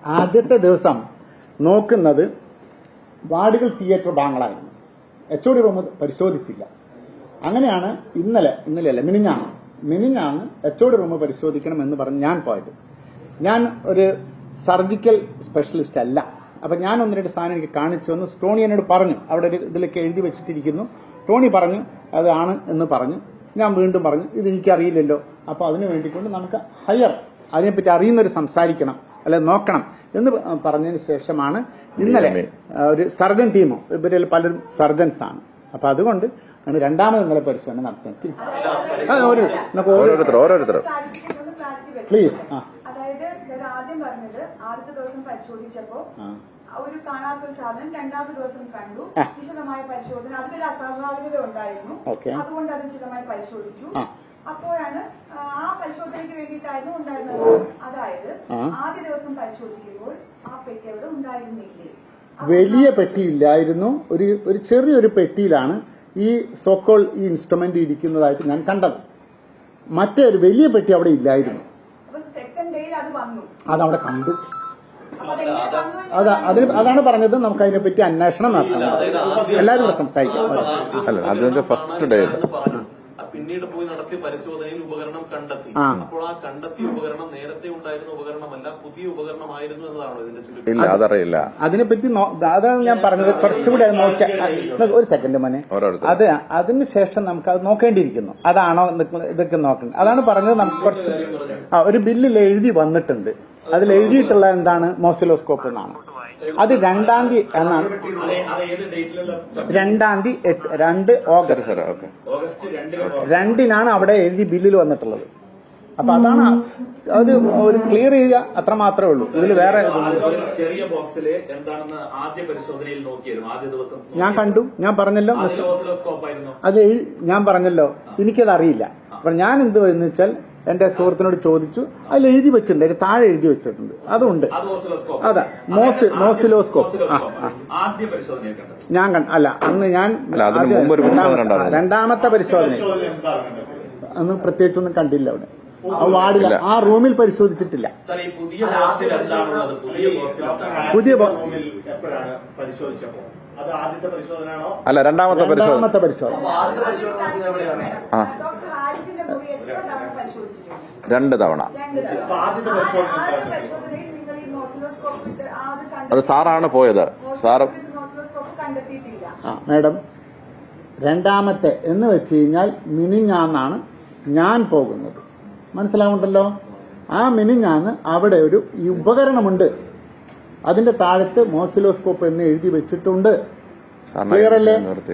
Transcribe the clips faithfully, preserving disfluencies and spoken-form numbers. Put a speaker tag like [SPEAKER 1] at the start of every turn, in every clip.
[SPEAKER 1] ആദ്യത്തെ ദിവസം നോക്കുന്നത് വാർഡുകൾ തിയേറ്റർ ഭാഗങ്ങളായിരുന്നു. എച്ച് ഒ ഡി റൂം പരിശോധിച്ചില്ല. അങ്ങനെയാണ് ഇന്നലെ ഇന്നലെയല്ല മിനിഞ്ഞാണ് മിനിഞ്ഞാണ് എച്ച് ഒ ഡി റൂം പരിശോധിക്കണം എന്ന് പറഞ്ഞ് ഞാൻ പോയത്. ഞാൻ ഒരു സർജിക്കൽ സ്പെഷ്യലിസ്റ്റ് അല്ല. അപ്പൊ ഞാൻ ഒന്ന് രണ്ട് സാധനം എനിക്ക് കാണിച്ചു വന്ന് ടോണി എന്നോട് പറഞ്ഞു, അവിടെ ഒരു ഇതിലൊക്കെ എഴുതി വെച്ചിട്ടിരിക്കുന്നു. ടോണി പറഞ്ഞു അതാണ് എന്ന് പറഞ്ഞു. ഞാൻ വീണ്ടും പറഞ്ഞു ഇത് എനിക്കറിയില്ലല്ലോ. അപ്പൊ അതിനു വേണ്ടിക്കൊണ്ട് നമുക്ക് ഹയർ അതിനെപ്പറ്റി അറിയുന്നവർ സംസാരിക്കണം അല്ലെ നോക്കണം എന്ന് പറഞ്ഞതിന് ശേഷമാണ് ഇന്നലെ ഒരു സർജൻ ടീമോ ഇവരിൽ പലരും സർജൻസ് ആണ്. അപ്പൊ അതുകൊണ്ട് ആണ് രണ്ടാമത് ഇന്നലെ പരിശോധന നടത്തുന്നത്. പ്ലീസ്.
[SPEAKER 2] അതായത് ആദ്യം പറഞ്ഞത് ആദ്യത്തെ ദിവസം പരിശോധിച്ചപ്പോ ഒരു കാണാത്തൊരു സാധനം രണ്ടാമത്തെ ദിവസം കണ്ടു. വിശദമായ പരിശോധന അതിലൊരു അസ്വാഭാവികത ഉണ്ടായിരുന്നു. അതുകൊണ്ട് അത് വിശദമായി പരിശോധിച്ചു. അപ്പോഴാണ് ആ പരിശോധനയ്ക്ക് വേണ്ടിയിട്ടായിരുന്നു ഉണ്ടായിരുന്നത്. അതായത് ആദ്യ ദിവസം പരിശോധിക്കുമ്പോൾ ആ പെട്ടി അവിടെ ഉണ്ടായിരുന്നില്ലേ?
[SPEAKER 1] വലിയ പെട്ടിയില്ലായിരുന്നു. ഒരു ഒരു ചെറിയൊരു പെട്ടിയിലാണ് ഈ സോക്കോൾ ഈ ഇൻസ്ട്രുമെന്റ് ഇരിക്കുന്നതായിട്ട് ഞാൻ കണ്ടത്. മറ്റേ ഒരു വലിയ പെട്ടി അവിടെ ഇല്ലായിരുന്നു.
[SPEAKER 2] സെക്കൻഡ് ഡേയിൽ അത് വന്നു,
[SPEAKER 1] അതവിടെ കണ്ടു. അതാ അതിന് അതാണ് പറഞ്ഞത് നമുക്ക് അതിനെപ്പറ്റി അന്വേഷണം നടത്തണം. എല്ലാവരും സംസാരിക്കാം.
[SPEAKER 3] അല്ല അതിന്റെ ഫസ്റ്റ് ഡേ
[SPEAKER 4] പിന്നീട് പോയി നടത്തിയ പരിശോധനയിൽ ഉപകരണം കണ്ടെത്തി. അപ്പോൾ ആ കണ്ടെത്തിയ ഉപകരണം നേരത്തെ ഉണ്ടായിരുന്ന ഉപകരണമല്ല, പുതിയ ഉപകരണമായിരുന്നു എന്നതാണോ ഇതിന്റെ ചുരുക്കം?
[SPEAKER 3] ഇല്ല അതറിയില്ല.
[SPEAKER 1] അതിനെപ്പറ്റി അതാണ് ഞാൻ പറഞ്ഞത്. കുറച്ചുകൂടി നോക്കിയാൽ ഒരു സെക്കൻഡ് മോനെ, അത് അതിനുശേഷം നമുക്ക് അത് നോക്കേണ്ടിയിരിക്കുന്നു. അതാണോ ഇതൊക്കെ നോക്കേണ്ടത്. അതാണ് പറഞ്ഞത്. നമുക്ക് കുറച്ച് ഒരു ബില്ലിൽ എഴുതി വന്നിട്ടുണ്ട്. അതിൽ എഴുതിയിട്ടുള്ള എന്താണ് മോസിലോസ്കോപ്പ് എന്നാണ്. അത് രണ്ടാം തീയതി എന്നാണ്. രണ്ടാം തീയതി രണ്ട് ഓഗസ്റ്റ് രണ്ടിനാണ് അവിടെ എഴുതി ബില്ലിൽ വന്നിട്ടുള്ളത്. അപ്പൊ അതാണ് അത് ഒരു ക്ലിയർ ചെയ്യുക, അത്ര മാത്രമേ ഉള്ളൂ. ഇതിൽ വേറെ
[SPEAKER 5] ചെറിയ ബോക്സിൽ എന്താണെന്ന് ആദ്യ പരിശോധനയിൽ നോക്കിയിരുന്നു. ആദ്യ ദിവസം
[SPEAKER 1] ഞാൻ കണ്ടു. ഞാൻ പറഞ്ഞല്ലോ അത് ഞാൻ പറഞ്ഞല്ലോ എനിക്കത് അറിയില്ല. അപ്പൊ ഞാൻ എന്ത് എന്ന് വെച്ചാൽ എന്റെ സുഹൃത്തിനോട് ചോദിച്ചു. അതിൽ എഴുതി വെച്ചിട്ടുണ്ട്, അതിന് താഴെ എഴുതി വെച്ചിട്ടുണ്ട്. അതുണ്ട്. അതാ മോസ് മോസിലോസ്കോപ്പ്. ഞാൻ കണ്ട അല്ല അന്ന് ഞാൻ രണ്ടാമത്തെ പരിശോധന അന്ന് പ്രത്യേകിച്ചൊന്നും കണ്ടില്ല. അവിടെ ആ വാർഡില്ല, ആ റൂമിൽ പരിശോധിച്ചിട്ടില്ല. പുതിയ
[SPEAKER 3] അല്ല രണ്ടാമത്തെ
[SPEAKER 1] രണ്ടാമത്തെ പരിശോധന
[SPEAKER 3] രണ്ട് തവണ. അത് സാറാണ് പോയത്. സാറ്
[SPEAKER 1] മാഡം രണ്ടാമത്തെ എന്ന് വെച്ച് കഴിഞ്ഞാൽ മിനിഞ്ഞാന്നാണ് ഞാൻ പോകുന്നത്. മനസ്സിലാവുണ്ടല്ലോ. ആ മിനിഞ്ഞാന്ന് അവിടെ ഒരു ഉപകരണമുണ്ട്. അതിന്റെ താഴത്ത് മോസിലോസ്കോപ്പ് എന്ന് എഴുതി വെച്ചിട്ടുണ്ട്. ക്ലിയർ അല്ലേ?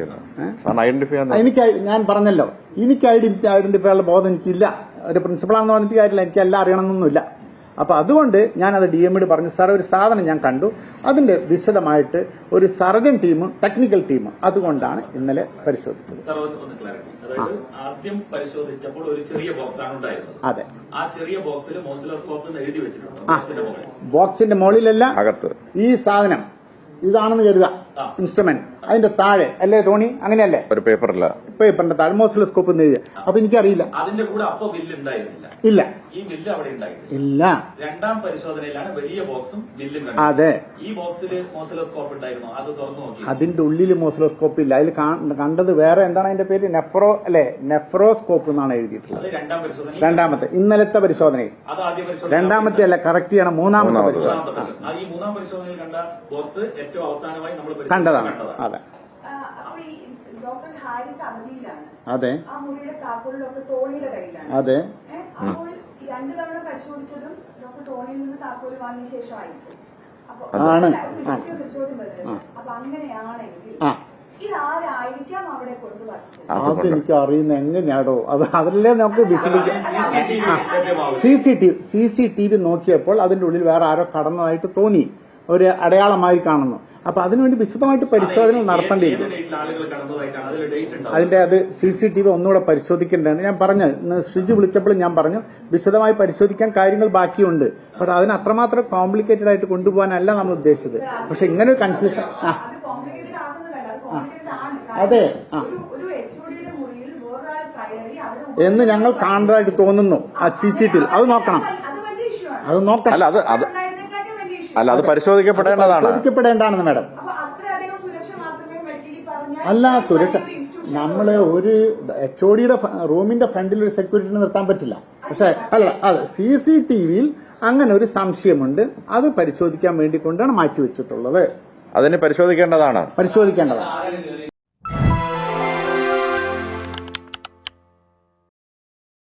[SPEAKER 1] എനിക്ക് ഞാൻ പറഞ്ഞല്ലോ എനിക്ക് ഐഡന്റിഫൈ ഉള്ള ബോധം എനിക്കില്ല. ഒരു പ്രിൻസിപ്പളാണെന്ന് പറഞ്ഞിട്ട് കാര്യമില്ല, എനിക്ക് എല്ലാം അറിയണമെന്നൊന്നുമില്ല. അപ്പൊ അതുകൊണ്ട് ഞാൻ അത് ഡി എമ്മിഡ് പറഞ്ഞു. സാർ ഒരു സാധനം ഞാൻ കണ്ടു, അതിന്റെ വിശദമായിട്ട് ഒരു സർജൻ ടീം ടെക്നിക്കൽ ടീം അതുകൊണ്ടാണ് ഇന്നലെ പരിശോധിച്ചത്.
[SPEAKER 5] ആദ്യം പരിശോധിച്ചപ്പോൾ ഒരു ചെറിയ ബോക്സ് ആണ് ഉണ്ടായിരുന്നത്.
[SPEAKER 1] അതെ,
[SPEAKER 5] ആ ചെറിയ ബോക്സിൽ മോസിലോസ്കോപ്പ് എഴുതി വെച്ചിട്ടുണ്ട്.
[SPEAKER 1] ബോക്സിന്റെ മുകളിലല്ല, അകത്ത് ഈ സാധനം ഇതാണെന്ന് കരുതുക ഇൻസ്ട്രുമെന്റ്. അതിന്റെ താഴെ അല്ലേ ടോണി? അങ്ങനെയല്ലേ?
[SPEAKER 3] ഒരു പേപ്പറില്ല,
[SPEAKER 1] പേപ്പറിന്റെ താഴെ മോസിലോസ്കോപ്പ് എന്ന് എഴുതിയ. അപ്പൊ എനിക്കറിയില്ല.
[SPEAKER 5] അതിന്റെ കൂടെ അപ്പൊ ബില്ല് ഉണ്ടായിരുന്നില്ല.
[SPEAKER 1] ഇല്ല,
[SPEAKER 5] ഈ ബില്ല് അവിടെ ഉണ്ടായിട്ടില്ല.
[SPEAKER 1] ഇല്ല.
[SPEAKER 5] രണ്ടാം പരിശോധനയിലാണ് വലിയ ബോക്സും ബില്ലും.
[SPEAKER 1] അതെ,
[SPEAKER 5] ഈ ബോക്സിൽ മോസിലോസ്കോപ്പ് ഉണ്ടായിരുന്നു. അത് തുറന്നു നോക്കി.
[SPEAKER 1] അതിന്റെ ഉള്ളിൽ മോസിലോസ്കോപ്പ് ഇല്ല. അതിൽ കണ്ടത് വേറെ എന്താണ് അതിന്റെ പേര്? നെഫ്രോ അല്ലെ? നെഫ്രോസ്കോപ്പ് എന്നാണ് എഴുതിയിട്ടുള്ളത്.
[SPEAKER 5] രണ്ടാം പരിശോധന,
[SPEAKER 1] രണ്ടാമത്തെ ഇന്നലത്തെ പരിശോധനയിൽ.
[SPEAKER 5] അത് ആദ്യ പരിശോധന.
[SPEAKER 1] രണ്ടാമത്തെ അല്ല, കറക്റ്റ് ചെയ്യണം. മൂന്നാമത്തെ പരിശോധന.
[SPEAKER 5] ഈ മൂന്നാം പരിശോധനയിൽ കണ്ട ബോക്സ് ഏറ്റവും അവസാനമായി നമ്മൾ
[SPEAKER 1] കണ്ടതാണ്. അതെ
[SPEAKER 2] ഡോക്ടർ ഹാരിസ് അവധിയിലാണ്.
[SPEAKER 1] അതെ,
[SPEAKER 2] ആ മുറിയുടെ താക്കോൽ ഡോക്ടർ ടോണിയുടെ കയ്യിലാണ്.
[SPEAKER 1] അതെ.
[SPEAKER 2] അപ്പോൾ രണ്ടു തവണ പരിശോധിച്ചതും ഡോക്ടർ ടോണിയിൽ നിന്ന് താക്കോൽ വാങ്ങിയ ശേഷമായിരിക്കും. അപ്പൊ ചോദ്യം വരുന്നത്, അപ്പൊ അങ്ങനെയാണെങ്കിൽ ഇതാരായിരിക്കാം അവിടെ കൊണ്ടുവന്നത്?
[SPEAKER 1] അതെനിക്ക് അറിയുന്ന എങ്ങനെയാടോ? അത് അതിലേ നമുക്ക് വിശദീകരിക്കാം. C C T V C C T V നോക്കിയപ്പോൾ അതിന്റെ ഉള്ളിൽ വേറെ ആരോ കടന്നതായിട്ട് തോന്നി, ഒരു അടയാളമായി കാണുന്നു. അപ്പൊ അതിനുവേണ്ടി വിശദമായിട്ട് പരിശോധന നടത്തേണ്ടിയിരിക്കും. അതിന്റെ അത് സി സി ടി വി ഒന്നുകൂടെ പരിശോധിക്കേണ്ടതാണ്. ഞാൻ പറഞ്ഞു, ശ്രീജി വിളിച്ചപ്പോൾ ഞാൻ പറഞ്ഞു വിശദമായി പരിശോധിക്കാൻ കാര്യങ്ങൾ ബാക്കിയുണ്ട്. പക്ഷെ അതിന് അത്രമാത്രം കോംപ്ലിക്കേറ്റഡ് ആയിട്ട് കൊണ്ടുപോകാനല്ല നമ്മൾ ഉദ്ദേശിച്ചത്. പക്ഷെ ഇങ്ങനെ ഒരു കൺഫ്യൂഷൻ ആ അതെ ആ എന്ന് ഞങ്ങൾ കാണുന്നതായിട്ട് തോന്നുന്നു. ആ സി സി ടി വി അത് നോക്കണം, അത് നോക്കണം.
[SPEAKER 3] അല്ല അത് അത് അല്ല അത് പരിശോധിക്കപ്പെടേണ്ടതാണ്.
[SPEAKER 1] പരിശോധിക്കപ്പെടേണ്ടതാണെന്ന് മാഡം.
[SPEAKER 2] അപ്പൊ അത്രയധികം സുരക്ഷ മാത്രമേ മെഡിക്കലി പറഞ്ഞാൽ
[SPEAKER 1] അല്ല സുരക്ഷ നമ്മള് ഒരു എച്ച് ഒ ഡിയുടെ റൂമിന്റെ ഫ്രണ്ടിൽ ഒരു സെക്യൂരിറ്റിനെ നിർത്താൻ പറ്റില്ല. പക്ഷെ അല്ല അതെ സി സി ടി വിയിൽ അങ്ങനെ ഒരു സംശയമുണ്ട്. അത് പരിശോധിക്കാൻ വേണ്ടി കൊണ്ടാണ് മാറ്റിവെച്ചിട്ടുള്ളത്.
[SPEAKER 3] അതിന് പരിശോധിക്കേണ്ടതാണ്.
[SPEAKER 1] പരിശോധിക്കേണ്ടതാണ്.